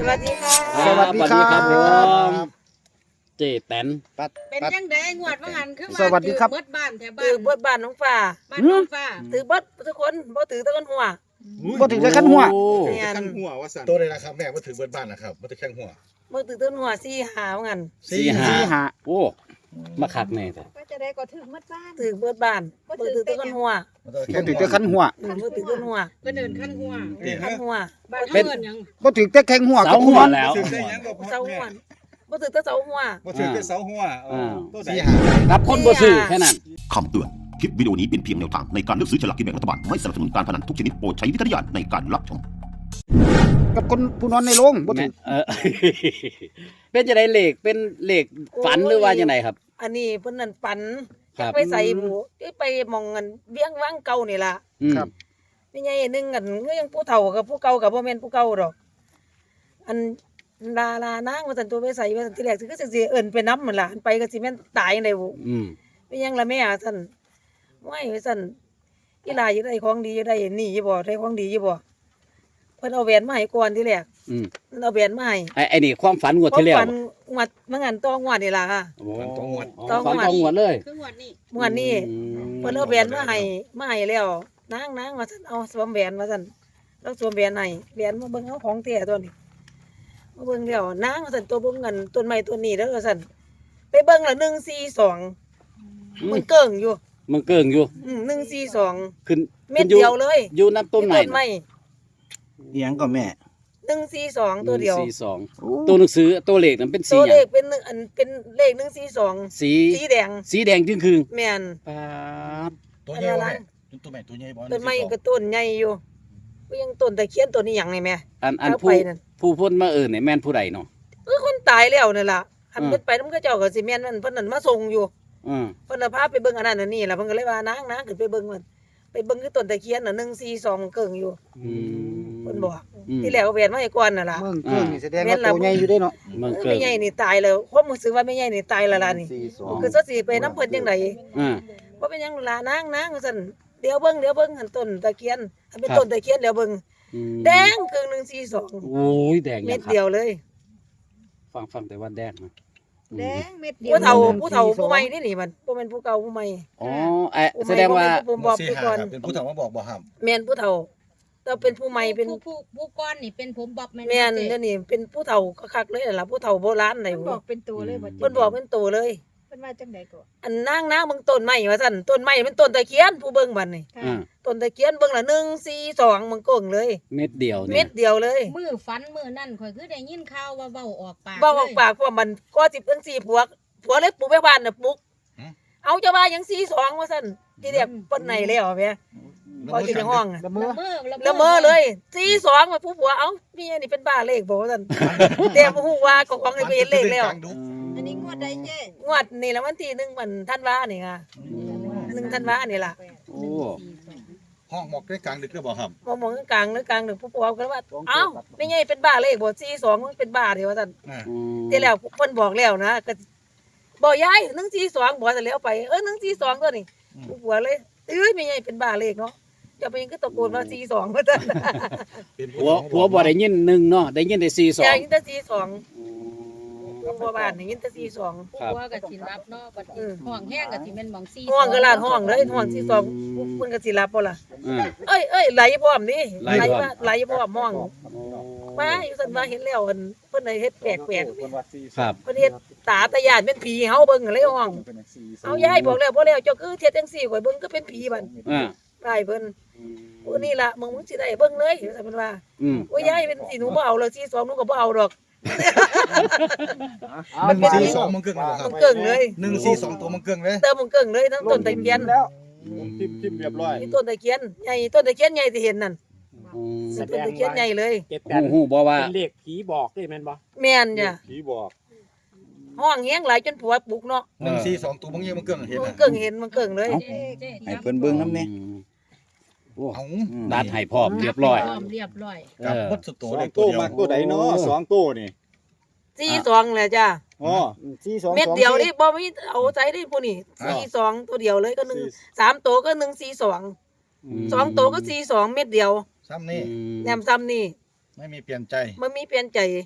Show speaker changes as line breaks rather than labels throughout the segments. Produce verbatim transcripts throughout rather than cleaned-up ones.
วัสดีค่ะ
สวัสดีครับผมเจแตน
เป็นจังได๋งวดว่าหันคือว่า
สวัสดีครับ
เบิดบ้านแถวบ้า
ถือน เบิดบ้านน้องฟ้า
บ้านน้องฟ้า
ถือเบิดทุกคนบ่ถือแตะกันหัว
บ่ถึงจะขั้นหัว
ถือ
แม่
แต่
น
ขั้นหัวว่าสั่น
ตัวเลยนะครับแม่มาถึงเบิดบ้านนะครับมาถึงแข้งหัว
บ่ถือแตะกันหัวสี่หาว่างั้น
สี่ห้า
สี่ห้า
โอ้มาคักแน่จ้ะ
ก็จะได้ก็ถึงหมดบ้าน
ถือเบิดบ้านบ่ถือแตะกันหัว
มาถึง
บ่
แข้ง
ถึง
หัว
จะขั้นหัว
อืมบ่ถือแตะกันหัว
ก็เดินขั้นหัว
คันหัว
บ้านเฮาเอิ้นหยัง
บ่ถึงจะแข่งหัว
เสา
กับ
หั
หั
ว
ว
แล้ว
ถึงได้ยังก็พอ
เสาหั
แม่
วบ่ถือแตะเสาหัว
มาถึงได้เสาหัวเออตัวใด
สี่ห้า
กับคนบ่ซื้อแค่นั้น
คำเตือน คลิปวิดีโอนี้เป็นเพียงแนวทางในการเลือกซื้อฉลากกินแบ่งรัฐบาล ไม่สนับสนุนการพนันทุกชนิดโปรดใช้วิจารณญาณในการรับชม
กับคนผู้นอนในโรงบ่ถึงเออ เป็นจังได๋เลขเป็นเลขฝันหรือว่าจังไดครับ
อันนี้เพิ่นนั่นปัน
ครับ
ไปใส่หมูไปหมองกันเบี้ยงวังเก่านี่ล่ะ
อืม
มีใหญ่นึงกันก็ยังผู้เฒ่ากับผู้เก่ากับบ่แม่นผู้เก่าดอก อันลาลานางว่าซั่นตัวไปใส่ว่าซั่นที่แรกสิคือสิเอิ้นไปนำนั่นล่ะอันไปก็สิแม่นตายจังได๋บุ
อืม
ไปยังละแม่ซั่นว้ายว่าซั่นอีหลาอยู่ได้ของดีอยู่ได้นี่อยู่บ่ได้ของดีอยู่บ่เพิ่นเอาแหวนมาให้ก่อนที่แรก
อืม
เพิ่นเอาแหวนมาให้
ไอ้ไอ้นี่ความฝันงวดที่แล้ว
ฝันงวดมันงันต้องงวดนี่ล่ะค่ะ
โอ้
ฝันต้องงวด
ฝันต้องงวดเลย
คืองวดนี้
งวดนี้
อืม
เพิ่นเอาแหวนมาให้มาให้แล้วนางนางว่าซั่นเอาสวมแหวนว่าซั่นแล้วสวมแหวนให้แหวนมาเบิ่งเอาของแท้ตัวนี้มาเบิ่งแล้วนางว่าซั่นตัวเบิ่งกันต้นไม้ต้นนี้เด้อว่าซั่นไปเบิ่งละหนึ่งสี่สองมันเกิ่งอยู่
มันเกิงอยู่
อืมหนึ่งสี่สอง
ขึ้น
เม็ด
ขึ้นอ
เดียวเลย
อยู่น้ำต้นไม้
ต้นไม้
เอียงก็แม่
หนึ่งสี่สองตัวเดียว
หนึ่งสี่สองตัวหนังสือตัวเลขนั้นเป็นสี
ตัว
ห
เล
ยัง
ขเป็นหนึ่งอันเป็นเลขหนึ่งสี่สอง
สี
สีแดง
สีแดงจึงคืง
แม่น
ป๊าบ
ตัวใหญ่บ่แม่ตัวใหม่ตัวใหญ่บ่
ต้นไม้ก็ต้นใหญ่อยู่ก็ยังต้นตะเคียนต้นนี้หยังนี่แม่
อันอัน
เอา
ผู้
ไปนั่น
ผู้พ้นมาเอิ้นนี่แม่นผู้ใดเนาะ
เออคนตายแล้วนั่นล่ะหัน
อืม
เพิ่นไปนำเขาเจ้าก็สิแม่นมันเพิ่นนั่นมาส่งอยู่
อืม
เพิ่นน่ะพาไปเบิ่งอันนั้นอันนี้ล่ะเพิ่นก็เลยว่านางนางขึ้นไปเบิ่งมันไปเบิ่งคือต้นตะเคียนน่ะหนึ่งสี่สองเกิ่งอยู่
อืม
เพิ่นบอก
อืม
ที่แรกเอาแหวนมาให้ก่อนน่ะล่ะ
เมืองเกิงนี่แสดงว่า
แม่นล่ะ
ตัวใหญ่อยู่เด้เนาะเมือง
เออ
เกิ
แม่
ง
ใหญ่นี่ตายแล้วความรู้สึกว่าแม่ใหญ่นี่ตายแล้วล่ะนี่คือซะสิไปนำเพิ่นจังได
อ่า
บ่เป็นหยังล่ะนางนางว่าซั่นเดี๋ยวเบิ่งเดี๋ยวเบิ่งหันต้นตะเคียนอันเป็น
ครับ
ต้นตะเคียนเดี๋ยวเบิ่ง
อืม
แดงเกิ่งหนึ่งสี่สอง
โอ้ยแดง
เม็
ยั
ด
งครับ
เดียวเลย
ฟังฟังแต่ว่าแดงนะ
แดงเม็ดเดียว
ผู้เฒ่าผู้เฒ่าผู้ใหม่นี่นี่มันบ่แม่นผู้เก่าผู้ใหม่
อ๋อไอ้แสดงว่า
ผู้ใหม่บ่แม่นผู้บอก
สี่
ผู้
ห้า
ก่อน
ครับเป็นผู้เฒ่ามาบอกบ่ห้าม
แม่นผู้เฒ่าแต่เป็นผู้ใหม่เป็น
ผู้ผู้ผู้ก้อนนี่เป็นผมบ๊อบแม่น
แม่น
เจ๊
เดี๋ยวนี้เป็นผู้เฒ่าคักๆเลยนั่นล่ะผู้เฒ่าโบราณไหน
เพิ่นบอกเป็นตัวเลยบ่เจ๊
เพิ่นบอกเป็นโตเลย
เพิ่นว่าจังได๋ก็
อันนางนางเบิ่งต้นไม้ว่าซั่นต้นไม้เป็นต้นตะเคียนผู้เบิ่งบัดนี่
ค่ะ
อ่า
ต้นตะเคียนเบิ่งละหนึ่ง สี่ สองมันโก่งเลย
เม็ดเดียว
เม็
นี่
ดเดียวเลย
มือฝันมือนั่นข่อยคือได้ยินข่าวว่าเว้าออกปาก
เว้าออกปากเพราะว่ามันก็สิเป็นสี่ผัวผัวเลยปลูกไปบ้านน่ะปลูกเอาจะว่าหยังสี่ สองว่าซั่นที่เรียกเปิ้นไหนแล้วแม่พออยู่ในห้องอะ
ละเมอ
ละเมอเลยสี่สองมาผู้ผัวเอ้าเมียนี่เป็นบ้าเลขบอกว่าซั่น แต่บ่ฮู้ว่าก็ของนี่ไปเห็นเลขแล้ว
อันนี้งวดใดเจ๊
งวดนี่ละวันที่หนึ่งมันธันวานี่ค่ะหนึ่งธันวานี่ล่ะ
โอ้
ห้องหมอกได้กลางดึกก็บ่ห้าม
มองมองกลางๆหรือกลางหนึ่งผู้ผัวก็ว่าเอ้าไม่ใช่เป็นบ้าเลขบ่สี่สองมันเป็นบ้าเดียวว่าซั่น
อ่า
อืม
ที่แล้วเพิ่นบอกแล้วนะก็บ่ยายหนึ่งสี่สองบ่ซะแล้วไปเออหนึ่งสี่สองตัวนี้ผู้ผัวเลยเอ้ยไม่ใช่เป็นบ้าเลขเนาะจะไปยังก็ตะโกนว่าสี่สองว่าซั่น
เป็น
ผัวผัวบ่ได้ยินหนึ่งเนาะได้ยินได้สี่สอง
ยายยินแต่สี่สองผู้บ้านนี่ยินแต่สี่สอง
ผู้ว่าก็สิรับเนาะบัดนี้ห้องแห้งก็สิแม่นหม่องสี่
ห้องก็ลาดห้องเลยห้องสี่สองเพิ่นก็สิรับบ่ล่ะ
อ่า
เอ้ยเอ้ยไหลพร้อมนี่
ไหลพร้อม
มาไหลพร้อมห้องมาอยู่ซั่นว่าเห็นแล้วอันเพิ่นได้เฮ็ดแปลก
ครับ
ๆเพิ่นเฮ็ดตาตะยานเป็นผีเฮาเบิ่งเลยห้องเอายายบอกแล้วบ่แล้วเจ้าคือเฮ็ดจังซี่ข่อยเบิ่งก็เป็นผีบัด
อ่า
ได้เพิ่นโอ้นี่ล่ะมึงมึงสิได้เบิ่งเลยว่าซั่นเพิ่นว่า
อืม
โอ้ยายเป็นสิหนูบ่เอาแล้วสิสองหนูก็บ่เอาดอก
มันเป็นสี่สองมังเกิงเลยค
มั
รับ
นเกิ่งเลย
หนึ่งสี่สองตัวมังเกิงเลย
เติมมันเกิ่งเลยทั้งต้นตะเคียน
พิมพ์พิมพ์เรียบร้อย
นี่ต้นตะเคียนใหญ่ต้นตะเคียนใหญ่ที่เห็นนั่น
อืม
ต้นตะเคียนใหญ่เลย
เจ็ดแป
ฮู้
ด
ฮู้บ่ว่า
เป็นเลขผีบอกด้วยแม่นบ่
แม่นจ้ะ
ผีบอก
ห้องแฮงหลายจนผัวปลุกเนาะ
หนึ่งสี่สองตัวมังเงี้ยมังเกิงเห็น
มัน
นะ
เกิ่งเห็นมันเกิ่งเลย
เจ๊เจ๊
ให้เพิ่นเบิ่งน้ำเนี่ย
อืมโอ้
เอา
ดัดให้พร้อมเรียบร้อย
พร้อมเรียบร้อย
กับ
เออ
พดสุด
ส
ตัว
อง
เล็กตั
ตัว ว
เดียว
มากตัวใดเนาะสองตัวนี่
สี่สองแหละจ้ะ
อ๋อ
สี่สอง
เม็ดเดียวนี่บ่มีเอาใจได้ผู้นี่สี่สองตัวเดียวเลยก็หนึ่งสามตัวก็หนึ่งสี่สองสองตัวก็สี่สองเม็ดเดียว
ซ้ำนี่
แหนมซ้ำนี่
ไม่มีเปลี่ยนใจ
มันมีเปลี่ยนใจ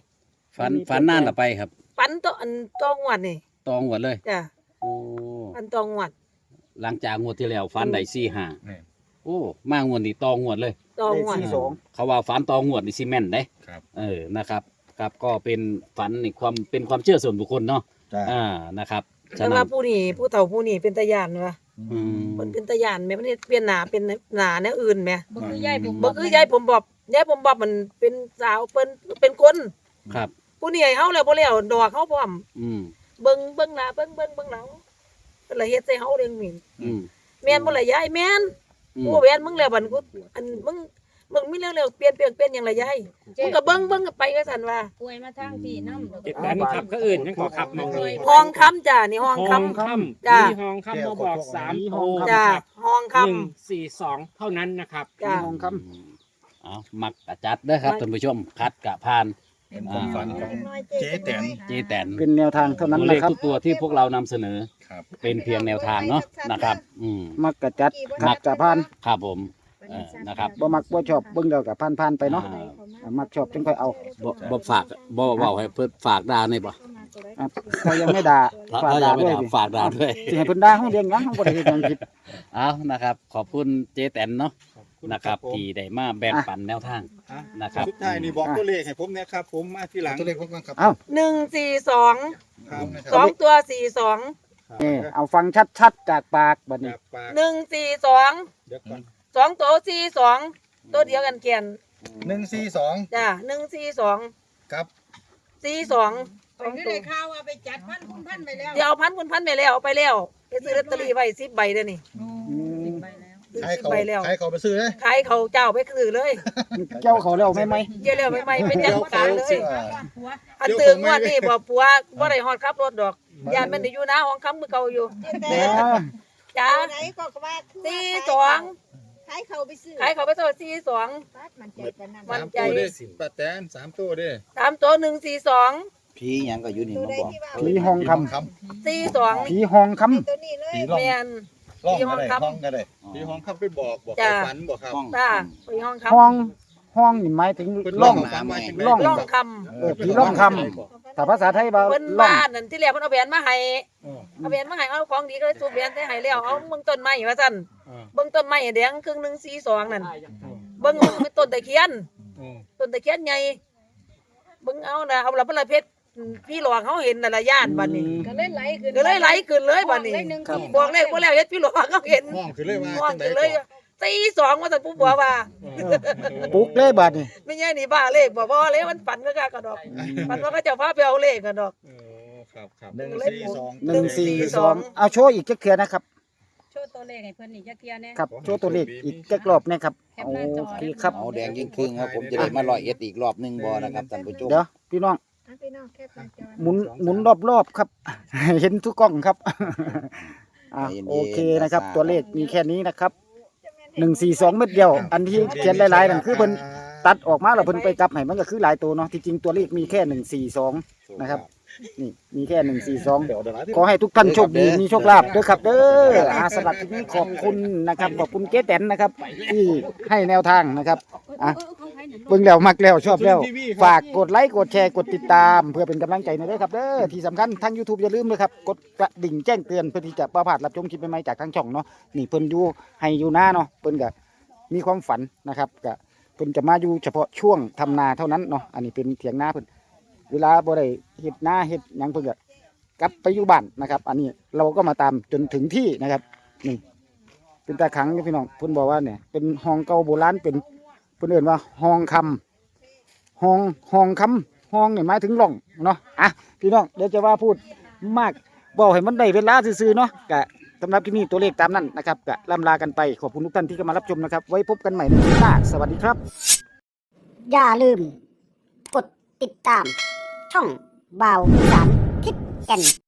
ฝันฝันนานละไปครับ
ฝันตัวอันตองวดนี่
ตองหวดเลย
จ้ะ
โอ้
ฝันตองวด
หลังจากงวดที่แล้วฝันได้สี่ห้า
นี่
โอ้มางวดนี้ตองวดเลย
ตอง
เลข
วด
สี่สอง
เขาว่าฝันตองวดนี่ซีเมนต์เด้
ครับ
เออนะครับครับก็เป็นฝันนี่ความเป็นความเชื่อส่วนบุคคลเนาะ
จ้า
อ่านะครับฉะ
แต่
นั้
ว่าน ผู้นี่ผู้เฒ่าผู้นี่เป็นตาย่านวะ
อืม
เพิ่นเป็นตาย่านแม่มันเปลี่ยนหน้าเป็นหน้าแนวอื่นแม่
บ่คือยายผม
บ่คือยายผมบอบยายผมบอบมันเป็นสาวเพิ่นเป็นคน
ครับ
ผู้นี่ให้เฮาแล้วบ่แล้วดอกเฮาพร้อม
อืม
เบิ่งเบิ่งหน้าเบิ่งเบิ่งเบิ่งหลังเพิ่นละเฮ็ดใส่เฮาเด้งหมิ่น
อืม
แม่นบ่ล่ะยายแม่น
อืม
กูแม่นมึงแล้วบัดกูอันมึงมึงมีเร็วๆเปลี่ยนเปลี่ยนเปลี่ยนหยังล่ะยายมึงก็เบิ่งเบิ่งไปว่าซั่นว่า
ป่วยมาทางที่นำ
เจ็ดแปดครับก็อื่นยังขอขับมองเลย
ห้องคำจ้ะนี่ห้องคำ
ห้องคำ
จ้ะ
มีห้องคำมาบอกสามโต
จ้ะห้องคำ
หนึ่งสี่สองเท่านั้นนะครับ
จ้ะ
ทองคำเอามักกะจัดเด้อครับท่านผู้ชมคัดกะผ่าน
เป็นความฝันของเจ๊แตน
เจแตน
เป็นแนวทางเท่านั้น
ตัวเล
นะ
ข
ครับ
ทุกตัวที่พวกเรานำเสนอ
ครับ
เป็นเพียงแนวทางเนาะนะครับ อืม
มักกะจัดขัดกะพาน
ครับผมเออนะครับ
บ่มักบ่ชอบเบิ่งเดียวกับพานๆไปเนาะ
อ่า
อ่ามักชอบจึงค่อยเอา
บ่บ่ฝากบ่เว้าให้เพิ่นฝากดาวนี่บ่
อ่ะถ้ายังไม่ด่า
ถ้า
ฝาก
ถ้ายั
ด่าง
ไม่
ด้วย
ด่า
ดิ
ฝากดาวด้วย
สิให้เพิ่นด่าเฮาเรียงหยังเฮาบ่ได้เฮ็ดหยังผิด
เอานะครับ ขอบคุณเจแตนเนาะ
ขอบคุณ
นะครับ
ผม
ที่ได้มาแบ่งปันแนวทาง
อ่ะ
นะครับ
สุดท้ายนี่บอกตัวเลขให้ผมเนี่ยครับ ผมมาที่หลัง
ตัวเลขพวกนั้นครับ
เอ้า
หนึ่งสี่สอง
ครับนะค
ส
รั
อบ งตัวสี่สอง
นี่เอาฟังชัดๆจากปากบัดนี้
จากปาก
หนึ่งสี่สอง
เดี๋ยวก่อน
สองตัวสี่สองตัวเดียวกันเขียน
หนึ่งสี่สอง
จ้ะหนึ่งสี่สอง
ครับ
สี่สองสองตัว
ข่าวว่าไปจัดพันคุณพันไปแล้ว
เดี๋ยวเอาพันคุณพันไปแล้วเอาไปแล้วไปซื้อลอตเตอรี่ไว้สิบใบเด้อนี่
ไปแล้ว
ซื้อ
ใช้
สิบ
เขา
ใบแล้ว
ใช้เขาไปซื้อเลย
ขายเขาเจ้าไปซื้อเลย
เจ้าเขาแล้วไหมไหม
เจ้าแล้วไม่ไม่เป็นยังการเลย
ผัว
อันตื่นงวดนี่บ่ปัวบ่ได้ฮอดขับรถดอกยานมันได้อยู่หน้าห้องค้ำมือเก่าอยู่
แหม
จ้า
ไหนก็ว่า
สี่สอง
ขายเขาไปซื้อ
ขายเขาไปตัวสี่สอง
ปัดมันใจปานนั้น
มัน
สาม
ใจ
ตัวเด้ป้าแตนสามตัวเด้
สามตัวหนึ่งสี่สอง
ผีหยังก็อยู่นี่
ตัว
มา
ใด
บอก
ที่ว่า
ผีห้องคำ
ค
สี่สอง
ผีห้องคำ
ตัวนี้เลย
ผีร่อง
แม่น
ร่อง
ผีห้
ก็
อง
ได้
ครับ
ร่องก็ได้
ผีห้องครับไปบอกบอก
จ้ะ
ไปฝันบอกครับ
จ้าไปห้องค้
ห้องห้องนี่หมายถึง
เพิ่น
ร่อง
ฝันว่าจังได๋
ร่อง
ำร่องค
เออผีร่องคำถ้าภาษาไทยว่า
ำเพิ่น
ร่อง
บ้านนั่นที่แรกเพิ่นเอาแหวนมาให้เอาแหวนมาให้เอาของดีก็เลยสูบแหวนใส่ให้แล้วเอาเบิ่งต้นไม้ว่าซั่นเบิ่งต้นไม้แดงครึ่งหนึงสี่สองนั่นเบิ่งมันเป็นต้นตะเคียน ต้นตะเคียนใหญ่เบิ่งเอานะเอาละพระเพชรพี่หลวงเขาเห็นน่ะละย่านบัดนี้
ก็เลยไหลขึ้น
ก็เลยไหลขึ้นเลยบัดนี้
หนึ่ง
บอกเลขบ่แล้วเฮ็ดพี่หลวงเขาเห็น
ห้องคือเลยว่า
ม่วง
จังได๋
ขึ้นเลยตีสองว่าซั่นผู้บัวว่า
ปลุกเลยบัดนี้
ไม่ใช่นี่บ้าเลขบ่บ่เลยมันฝันก็กะกระดอกฝันว่าเขาเจ้าพาไปเอาเลขกันดอก
เออครับครับ
หนึ่งสี่สอง
หนึ่งสี่
ส
ส
อ
อง งเอาโชว์อีกจักเทื่อนะครับ
โชว์ตัวเลขให้เพิ่นอีกจักเที่ยแน่
ครับโชว์ตัวเลขอีกจักรอบนะครับ
แคป
โอ
หน้าจอ
เคครับ
เอาแดงยิ่งครึ่งครับผมจะได้มาร้อยเอ็ดอีกรอบหนึงบ่นะครับท่านผู้ชม
เดี๋ยวพี่น้อง
เอาพี่น้องแคปหน้าจอ
หมุนหมุนรอบๆครับ เห็นทุกกล้องครับ อ่ะโอเคนะครับ ตัวเลขมีแค่นี้นะครับหนึ่งสี่สองเม็ดเดียว อันที่เขียนหลายๆนั่นคือเพิ่นตัดออกมาแล้วเพิ่นไปกลับให้มันก็คือหลายตัวเนาะที่จริงตัวเลขมีแค่หนึ่งสี่สองนะครับนี่มีแค่หนึ่งสี่สองขอให้ทุกท่านโชคดีมีโชคลาภเด้อครับเด้ออาสำหรับที่นี้ขอบคุณนะครับขอบคุณเจ๊แตนนะครับ ที่ให้แนวทางนะครับอ่ะ เบิ่งแล้วมักแล้วชอบแล้วฝากกดไลค์กดแชร์กดติดตาม เพื่อเป็นกำลังใจหน่อยเด้อครับเด้อที่สำคัญทาง YouTube อย่าลืมเลยครับกดกระดิ่งแจ้งเตือนเพื่อที่จะประพลาดรับชมคลิปใหม่ๆจากทางช่องเนาะนี่เพิ่นอยู่ให้อยู่หน้าเนาะเพิ่นก็มีความฝันนะครับก็เพิ่นจะมาอยู่เฉพาะช่วงทำนาเท่านั้นเนาะอันนี้เป็นเถียงนาเพิ่นเวลาบ่ได้เฮ็ดนาเฮ็ดหยังเพิ่นก็กลับไปอยู่บ้านนะครับ อันนี้เราก็มาตามจนถึงที่นะครับนี่เป็นตาขังพี่น้องเพิ่นบอกว่าเนี่ยเป็นห้องเก่าโบราณเป็นเพิ่นเอิ้นว่าห้องคำ ห้องห้องคำห้องนี่หมายถึงร่องเนาะอ่ะพี่น้องเดี๋ยวจะว่าพูดมากบอกให้มันได้เวลาซื่อๆเนาะกะสำหรับที่นี่ตัวเลขตามนั้นนะครับกะล่ำลากันไปขอบคุณทุกท่านที่เข้ามารับชมนะครับไว้พบกันใหม่ในคลิปหน้าสวัสดีครับ
อย่าลืม กดติดตาม ช่องบ่าวอีสานทิศแก่น